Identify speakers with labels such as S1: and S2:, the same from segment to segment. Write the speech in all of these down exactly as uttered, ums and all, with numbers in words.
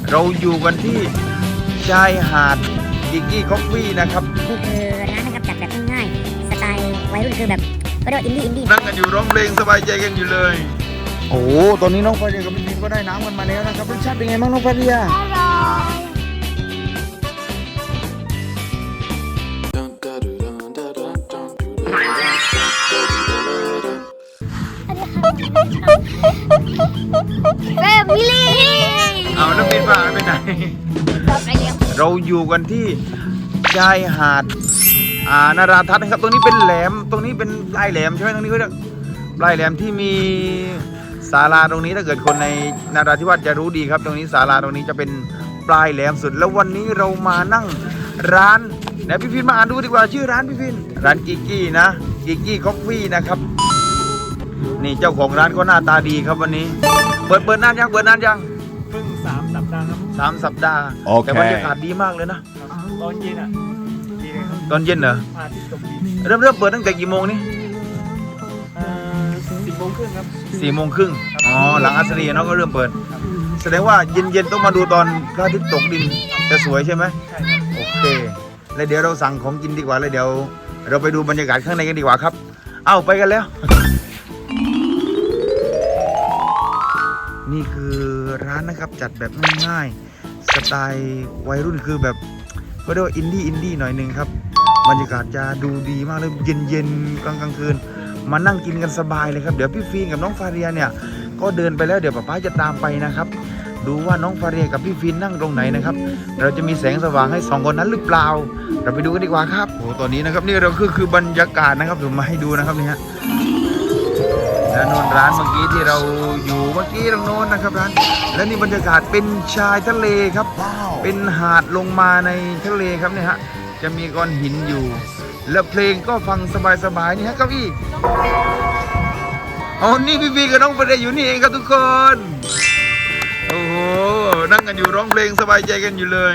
S1: เราอยู่กันที่ชายหาดกิกกี้คอฟฟี่นะครับ
S2: นี่คือร้านนะครับจัดแบบง่ายๆสไตล์วัยรุ่นคือแบบก็เรียกว่าอินดี้อินดี้
S1: นั่งกันอยู่ร้องเพลงสบายใจกันอยู่เลย โอ้โหตอนนี้น้องฟาเรียกับพี่พินก็ได้น้ำกันมาแล้วนะครับรสชาติเป็นไงบ้างน้องฟาเรีย
S2: อร่อย
S3: แบบมิลลี่
S1: เอาน้องพินพาไปไหน
S3: ไปเลี้ยง
S1: เราอยู่กันที่ชายหาดอ่านาราทัศน์นะครับตรงนี้เป็นแหลมตรงนี้เป็นปลายแหลมใช่ไหมตรงนี้เขาเรียกปลายแหลมที่มีศาลาตรงนี้ถ้าเกิดคนในนาราธิวาสจะรู้ดีครับ ตรงนี้ศาลาตรงนี้จะเป็นปลายแหลมสุดแล้ววันนี้เรามานั่งร้านไหนพี่พินมาอ่านดูดีกว่าชื่อร้านพี่พินร้านกิกกี้นะกิกกี้คอฟฟี่นะครับนี่เจ้าของร้านก็หน้าตาดีครับวันนี้เปิดเปิดนานยังเปิดนานยัง
S4: เพิ่งสามสัปดาห์ครับ
S1: สามสัปดาห์
S4: โอเค
S1: แต่บรรยากาศดีมากเลยนะ
S4: ตอนเย็นอ่ะดีเลยครับ
S1: ตอนเย็นเหรอ
S4: พาที่ตกดิน
S1: เริ่มเริ่มเปิดตั้งแต่กี่โมงนี่
S4: สิบโมงครึ่งครับ
S1: สี่โมงครึ่งอ๋อหลังอัสรีเนาะก็เริ่มเปิด แสดงว่าเย็นเย็นๆต้องมาดูตอนพระอาทิตย์ตกดินจะสวยใช่ไหม
S4: ใช่ครับ
S1: โอเคแล้วเดี๋ยวเราสั่งของกินดีกว่าแล้วเดี๋ยว เราไปดูบรรยากาศข้างในกันดีกว่าครับ เอ้าไปกันแล้ว นี่คือร้านนะครับจัดแบบง่ายๆสไตล์วัยรุ่นคือแบบก็เรียกว่าอินดี้อินดี้หน่อยหนึ่งครับบรรยากาศจะดูดีมากเลยเย็นๆกลางกลางคืนมานั่งกินกันสบายเลยครับเดี๋ยวพี่ฟินกับน้องฟาเรียเนี่ยก็เดินไปแล้วเดี๋ยวป๊าป๊าจะตามไปนะครับดูว่าน้องฟาเรียกับพี่ฟินนั่งตรงไหนนะครับเราจะมีแสงสว่างให้สองคนนั้นหรือเปล่าเราไปดูกันดีกว่าครับโอ้ตอนนี้นะครับนี่เราคือคือบรรยากาศนะครับผมมาให้ดูนะครับนี่ฮะแล้วโน่นร้านเมื่อกี้ที่เราอยู่เมื่อกี้ตรงโน้นนะครับร้านและนี่บรรยากาศเป็นชายทะเลครับเป็นหาดลงมาในทะเลครับเนี่ยฮะจะมีก้อนหินอยู่แล้วเพลงก็ฟังสบายๆนี่ฮะเก้าอี้อ๋อนี่พี่พีกับน้องฟาเรียอยู่นี่เองครับทุกคนโอ้โหนั่งกันอยู่ร้องเพลงสบายใจกันอยู่เลย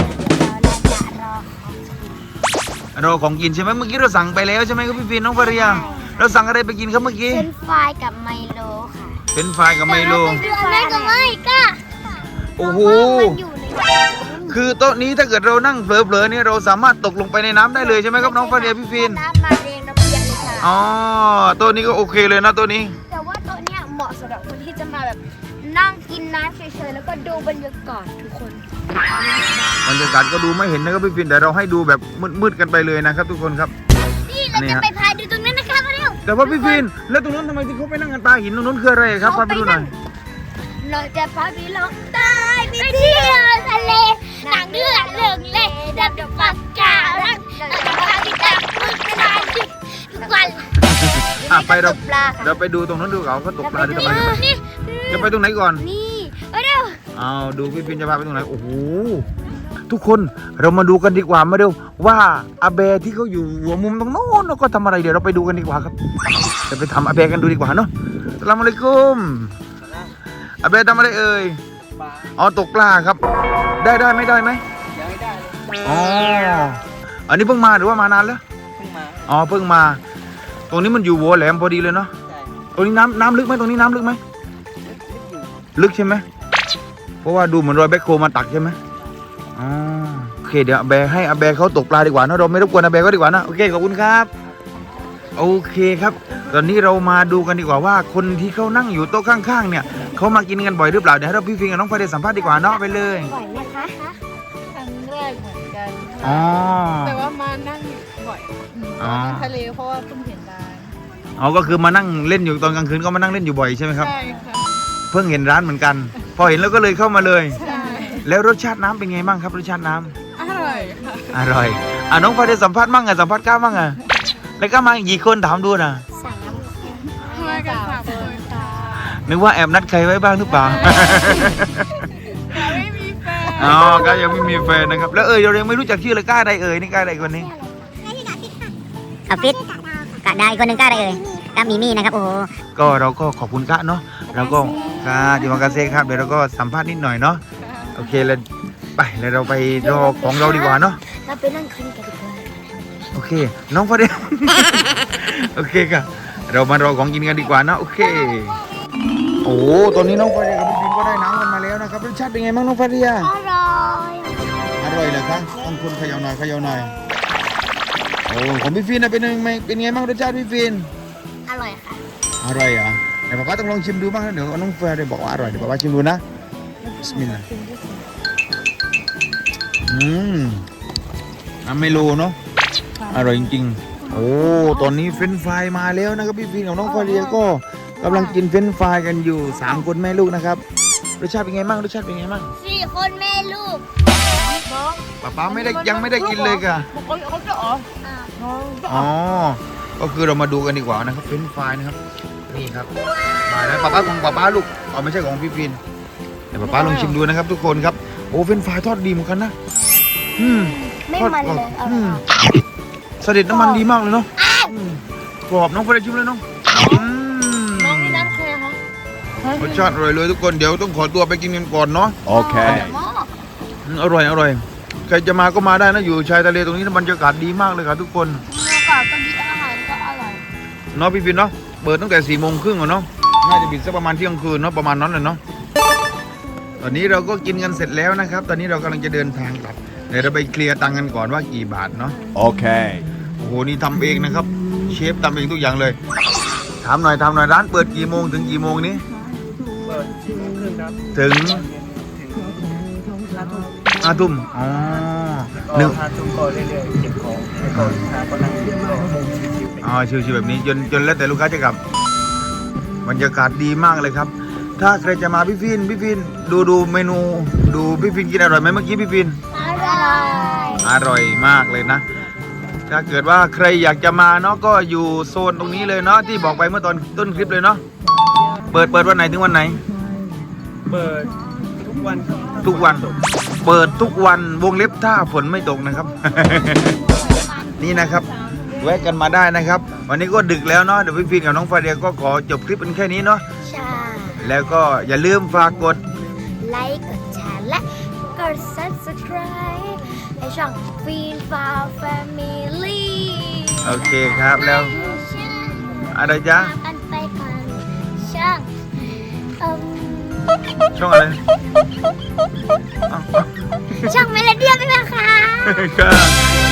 S1: รอของกินใช่ไหมเมื่อกี้เราสั่งไปแล้วใช่ไหมครับพี่พีน้องฟาเรียเราสั่งอะไรไปกินครับเมื่อกี้
S3: เป็นฟรายกับไมโลค่ะ
S1: เป็นไฟรายกับไมโล
S3: ไม่ก็ไม่ก็
S1: โอ้โห
S3: มันอยู่ใน
S1: คือโต๊ะนี้ถ้าเกิดเรานั่งเผลอๆเนี่ยเราสามารถตกลงไปในน้ำได้เลยใช่ไหมครับน้องฟาเรียพี่ฟิน
S3: น้ำมาเรียงระเบียงเลยค่ะ
S1: อ๋อโต๊ะนี้ก็โอเคเลยนะโต๊ะนี้
S3: แต่ว่าโต๊ะเนี้ยเหมาะสำหรับคนที่จะมาแบบนั่งกินน้ำเฉยๆแล้วก็ดูบรรยากาศทุกคน
S1: บรรยากาศก็ดูไม่เห็นนะครับพี่ฟินแต่เราให้ดูแบบมืดๆกันไปเลยนะครับทุกคนครับ
S3: นี่เราจะไปพายดูตรงนั้นนะคะมาเร็ว
S1: แต่ว่าพี่ฟินแล้วตรงนั้นทำไมที่เขาไปนั่งกันปลาหินตรงนั้นคืออะไรครับพาไปดูหน่อย
S3: เราจะพาไปลงใต้ไปเที่ยวทะเลหนังเรื่องเรื่องเล่ดับดับปากกาลังเราจะพาไปจับมือกันได้ทุกวัน
S1: อ่ะไปเรา
S3: ตกปลาค่ะ
S1: เราไปดูตรงนั้นดูเขาเขาตกปลาดูกันไป
S3: นี่
S1: จะไปตรงไหนก่อน
S3: นี่ไปเร็ว
S1: เอาดูพี่ฟินจะพาไปตรงไหนโอ้โหทุกคนเรามาดูกันดีกว่ามาเร็วว่าอาเบะที่เขาอยู่หัวมุมตรงโน้นก็ทำอะไรเดี๋ยวเราไปดูกันดีกว่าครับจะไปทำอาเบะกันดูดีกว่าเนาะอัสสลามุอะลัยกุมอาเบะทำอะไรเอ่ย
S4: ปลา
S1: อ๋อตกปลาครับ ได้ได้ไม่ได้ไหม
S4: ยังไม่ได้เลย
S1: อ๋ออันนี้เพิ่งมาหรือว่ามานานแล้ว
S4: เพิ่งมา
S1: อ๋อเพิ่งมา ตรงนี้มันอยู่หัวแหลมพอดีเลยเนาะ
S4: ใช่
S1: ตรงนี้น้ำน้ำลึกไหมตรงนี้น้ำลึกไหมลึกใช่ไหมเพราะว่าดูเหมือนรอยแบ็คโคมาตักใช่ไหมอ๋อโอเคเดี๋ยวอาแบร์ให้อาแบร์เขาตกปลาดีกว่าเนอะเราไม่รบกวนอาแบร์ก็ดีกว่านะโอเคขอบคุณครับโอเคครับ ตอนนี้เรามาดูกันดีกว่าว่าคนที่เขานั่งอยู่โต๊ะข้างๆเนี่ยเขามากินกันบ่อยหรือเปล่าเดี๋ยวให้เราพี่ฟิงกับน้องฟาเดสัมภาษณ์ดีกว่าเนาะไปเลย
S3: บ่อยไหมคะ
S5: ครั้งแรกเหมือนกัน
S1: อ๋อ
S5: ค่ะแต่ว่ามานั่งบ่อยอืม
S1: อ๋อ
S5: มานั่งทะเลเพราะว่าเพิ่งเห็นร้าน
S1: อ๋อก็คือมานั่งเล่นอยู่ตอนกลางคืนก็มานั่งเล่นอยู่บ่อยใช่ไหมครับ
S5: ใช่ค่ะ
S1: เพิ่งเห็นร้านเหมือนกัน พอเห็นแล้วก็เลยเข้ามาเลย
S5: ใช่
S1: แล้วรสชาติน้ำเป็นไงบ้างครับรสชาติน้ำ
S5: อร่อยค่ะ
S1: อร่อยอ่ะน้องฟาเดสัมภาษณ์มั่งอ่ะสัมภาษณ์ก้าวมั่งอ่ะแล้วก็มากี่คนถามดูนะ
S3: สาม
S5: มากันสามคนค่ะ
S1: นึกว่าแอบนัดใครไว้บ้างหรือเปล่า
S5: แต่ไม่มีแฟน
S1: อ๋อก็ยังไม่มีแฟนนะครับ แล้วเอ่ยเรายังไม่รู้จักชื่อเลยกล้าใดเอ่ยนี่กล้าใดคนนี้
S2: อาฟิตกะได้คนหนึ่งกล้าได้เอ่ยกามีมี่นะครับโอ้โห
S1: ก็เราก็ขอบคุณกะเนาะเราก็กาจิมากาเซ่ครับเดี๋ยวเราก็สัมภาษณ์นิดหน่อยเนาะโอเคแล้วไปแล้วเราไปรอของเราดีกว่าเนาะ
S3: เราไปนั่งคุยกันดีกว่า
S1: โอเค น้องฟาเด โอเคค่ะเรามารอของกินกันดีกว่าเนาะโอเคโอ้ตอนนี้น้องฟาเดกับพี่ฟินก็ได้น้ำกันมาแล้วแล้วนะครับรสชาติเป็นไงบ้างน้องฟาเรีย
S3: อร่อย
S1: อร่อยเหรอครับต้องคุณเขย่าหน่อยเขย่าหน่อยโอ้ของพี่ฟินนะเป็นยังไงเป็นไงบ้างรสชาติพี่ฟิน
S3: อร่อยค่ะ
S1: อร่อยเหรอเดี๋ยวป๊าป๊าต้องลองชิมดูบ้างนะเดี๋ยวน้องฟาเรียบอกว่าอร่อยเดี๋ยวป๊าป๊าชิมดูนะบิสมิลลาห์อืมน้ำเมโลเนาะอร่อยจริงๆโอ้ตอนนี้เฟรนช์ฟรายมาแล้วนะครับพี่ฟินกับน้องฟาเรียก็กำลังกินเฟรนช์ฟรายกันอยู่สามคนแม่ลูกนะครับรสชาติเป็นไงบ้างรสชาติเป็นไงบ้าง
S3: สี่คนแม่ลูก
S1: ป๊าป๊าไม่ได้ยังไม่ได้กินเลยค่ะ
S5: เขาเขาจะอ๋อ
S3: อ่า
S1: อ๋อ ก็คือเรามาดูกันดีกว่านะครับเฟรนช์ฟรายนะครับ นี่ครับ มาแล้วป๊าป๊าของป๊าป๊าลูกอ๋อไม่ใช่ของพี่ฟินเดี๋ยวป๊าป๊าลองชิมดูนะครับทุกคนครับ โอ้เฟรนช์ฟรายทอดดีเหมือนกันนะ อืม
S3: ไม่
S1: ทอด
S3: มัน
S1: กรอบ
S3: เลยอ
S1: อื
S3: ร่อ
S1: ม
S3: ย
S1: เสด็จน้ำมันดีมากเลยเนาะอืมกรอบน้องเฟรนชิมเลยน้องอืม
S5: น้องนี่น้ำแค่คะ
S1: รสชาติอร่อยเลยทุกคน เดี๋ยวต้องขอตัวไปกินกันก่อนเนาะ
S3: โอเค
S1: อืมอร่อยอร่อย ใครจะมาก็มาได้นะ อยู่ชายทะเลตรงนี้นะบรรยากาศดีมากเลยครับทุกคน
S3: เนื้อกรอบก็ดีอาหารก็อร่อย
S1: เนาะพี่ฟินเนาะ เปิดตั้งแต่สี่โมงครึ่งเนาะ น่าจะปิดสักประมาณเที่ยงคืนเนาะประมาณนั้นเลยเนาะ ตอนนี้เราก็กินกันเสร็จแล้วนะครับ ตอนนี้เรากำลังจะเดินทางกลับ เดี๋ยวเราไปเคลียร์ตังค์กันก่อนว่ากี่บาทเนาะ
S4: Okay.
S1: โอ้โห นี่ทำเองนะครับ เชฟทำเองทุกอย่างเลย ถามหน่อยถามหน่อยร้านเปิดกี่โมงถึงกี่โมงนี้
S4: เปิดสี่โมงครึ่งครับ
S1: ถึง
S4: ห้าทุ่ม
S1: ห้าทุ่มอ๋อห
S4: ห
S1: นึ่
S4: นึ่
S1: ง
S4: งห้าทุ่มก็เรื่อยๆเก็บของแล้วก็ลูกค้าก็นั่งกินก็ชิวๆไป
S1: อ๋อชิวๆแบบนี้จนจนแล้วแต่ลูกค้าจะกลับบรรยากาศดีมากเลยครับ ถ้าใครจะมาพี่ฟินพี่ฟินดูดูเมนู ดูพี่ฟินกินอร่อยไหมเมื่อกี้พี่ฟิน
S3: อร่อย
S1: อร่อยมากเลยนะ ถ้าเกิดว่าใครอยากจะมาเนาะก็อยู่โซนตรงนี้เลยเนาะที่บอกไปเมื่อตอนต้นคลิปเลยเนาะ เปิดเปิดวันไหนถึงวันไหน
S4: เปิดทุกวันครับ
S1: ทุกวัน เปิดทุกวันวงเล็บถ้าฝนไม่ตกนะครับ นี่นะครับแวะกันมาได้นะครับ วันนี้ก็ดึกแล้วเนาะเดี๋ยวพี่ฟินกับน้องฟาเดียก็ขอจบคลิปเป็นแค่นี้เนาะ
S3: ใช่
S1: แล้วก็อย่าลืมฝากกด
S3: ไลค์กดแชร์และกด subscribe ในช่องฟีนฟาวแฟมิลี่
S1: โอเคครับแล้ว อะไรจ๊ะ
S3: กันไปก่อนช่างเอิ่ม
S1: ช่องอะไรอ้าว
S3: ช่างเมโลเดียนไปไหมคะ
S1: ครับ